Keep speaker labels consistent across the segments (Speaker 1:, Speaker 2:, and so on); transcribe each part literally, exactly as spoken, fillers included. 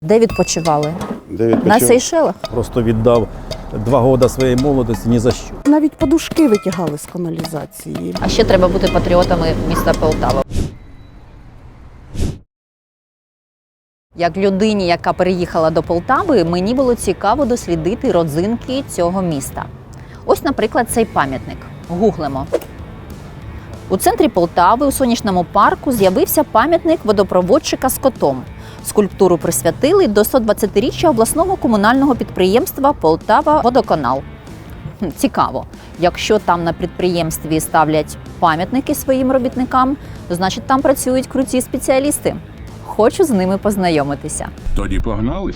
Speaker 1: Де відпочивали?
Speaker 2: Де відпочив?
Speaker 1: На Сейшелах?
Speaker 3: Просто віддав два роки своєї молодості ні за що.
Speaker 4: Навіть подушки витягали з каналізації.
Speaker 1: А ще треба бути патріотами міста Полтава. Як людині, яка переїхала до Полтави, мені було цікаво дослідити родзинки цього міста. Ось, наприклад, цей пам'ятник. Гуглимо. У центрі Полтави, у сонячному парку, з'явився пам'ятник водопроводчика з котом. Скульптуру присвятили до сто двадцятиріччя обласного комунального підприємства «Полтава-Водоканал». Цікаво. Якщо там на підприємстві ставлять пам'ятники своїм робітникам, то значить там працюють круті спеціалісти. Хочу з ними познайомитися.
Speaker 2: Тоді погнали.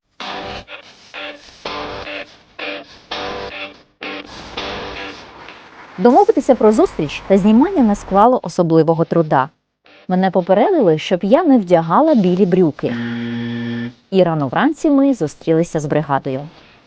Speaker 1: Домовитися про зустріч та знімання не склало особливого труда. Мене попередили, щоб я не вдягала білі брюки. І рано вранці ми зустрілися з бригадою.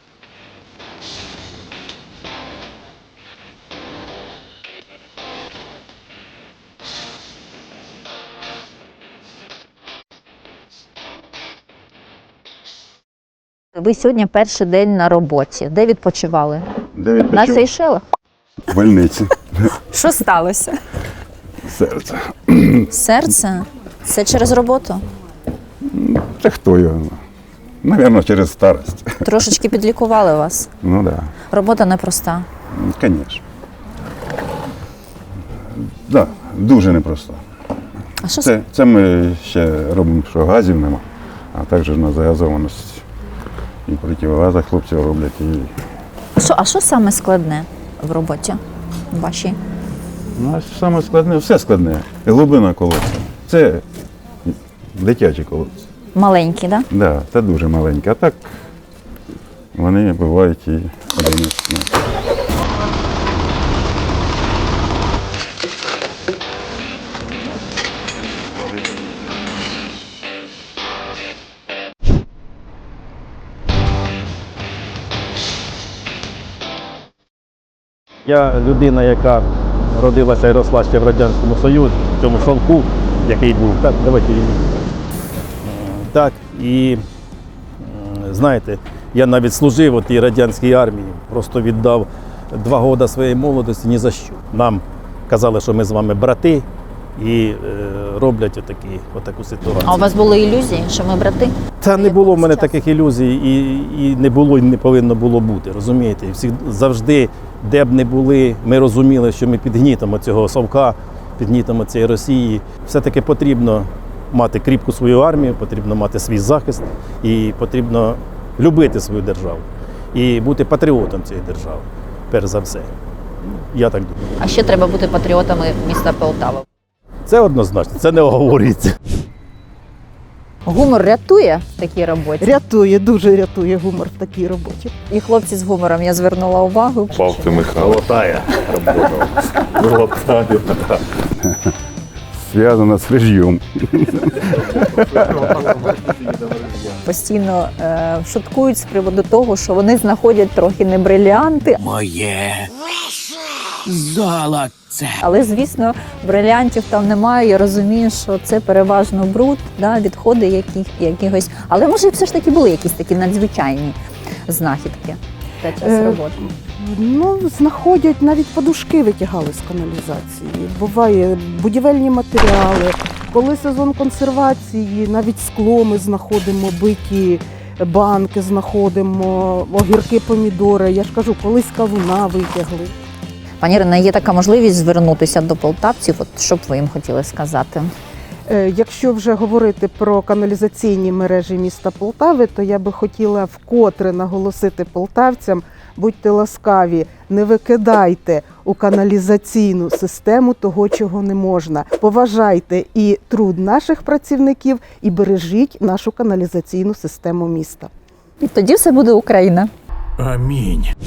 Speaker 1: Ви сьогодні перший день на роботі. Де відпочивали?
Speaker 2: Де
Speaker 1: На
Speaker 2: відпочив?
Speaker 1: Сейшелах?
Speaker 2: В больниці.
Speaker 1: Що сталося?
Speaker 2: Серце.
Speaker 1: Серце? Це через роботу?
Speaker 2: Це хто його? Навірно, через старость.
Speaker 1: Трошечки підлікували вас.
Speaker 2: Ну так,
Speaker 1: Робота непроста.
Speaker 2: да. Звісно. Да, дуже непросто.
Speaker 1: А що
Speaker 2: Це, це ми ще робимо, що газів нема, а також на загазованості. І противогазах хлопці роблять. І...
Speaker 1: А що, а що саме складне в роботі вашій?
Speaker 2: Ну, а саме складне, все складне. Глибина колодця. Це дитячі колодці.
Speaker 1: Маленькі, так? Да?
Speaker 2: Да, це дуже маленькі. А так вони бувають і одинадцять метрів.
Speaker 3: Я людина, яка родилася і росла ще в Радянському Союзі, в цьому шовку, який був. Так, давайте він. Так, і знаєте, я навіть служив у тій радянській армії, просто віддав два роки своєї молодості ні за що. Нам казали, що ми з вами брати, і е, роблять отакі, отаку ситуацію.
Speaker 1: А у вас були ілюзії, що ми брати?
Speaker 3: Та не було в мене таких ілюзій, і, і не було, і не повинно було бути, розумієте? І всі, завжди, де б не були, ми розуміли, що ми під гнітом цього совка, під гнітом цієї Росії. Все-таки потрібно мати кріпку свою армію, потрібно мати свій захист, і потрібно любити свою державу. І бути патріотом цієї держави, перш за все. Я так думаю.
Speaker 1: А ще треба бути патріотами міста Полтава.
Speaker 3: Це однозначно, це не оговорюється.
Speaker 1: Гумор рятує в такій роботі?
Speaker 4: Рятує, дуже рятує гумор в такій роботі.
Speaker 1: І хлопці з гумором, я звернула увагу.
Speaker 5: Павти Михайло.
Speaker 3: Золотая робота. Золотая.
Speaker 2: Зв'язано з режимом.
Speaker 1: Постійно е, шуткують з приводу того, що вони знаходять трохи не брилянти.
Speaker 6: Моє золоце.
Speaker 1: Але, звісно, брилянтів там немає. Я розумію, що це переважно бруд, да, відходи яких, якихось. Але, може, все ж таки були якісь такі надзвичайні знахідки за час
Speaker 4: Е,
Speaker 1: роботи.
Speaker 4: Ну, знаходять, навіть подушки витягали з каналізації. Буває будівельні матеріали. Коли сезон консервації, навіть скло ми знаходимо, биті банки знаходимо, огірки, помідори. Я ж кажу, колись кавуна витягли.
Speaker 1: Пані Ірина, є така можливість звернутися до полтавців, от що б ви їм хотіли сказати?
Speaker 4: Е, Якщо вже говорити про каналізаційні мережі міста Полтави, то я би хотіла вкотре наголосити полтавцям: будьте ласкаві, не викидайте у каналізаційну систему того, чого не можна. Поважайте і труд наших працівників, і бережіть нашу каналізаційну систему міста.
Speaker 1: І тоді все буде Україна.
Speaker 6: Амінь.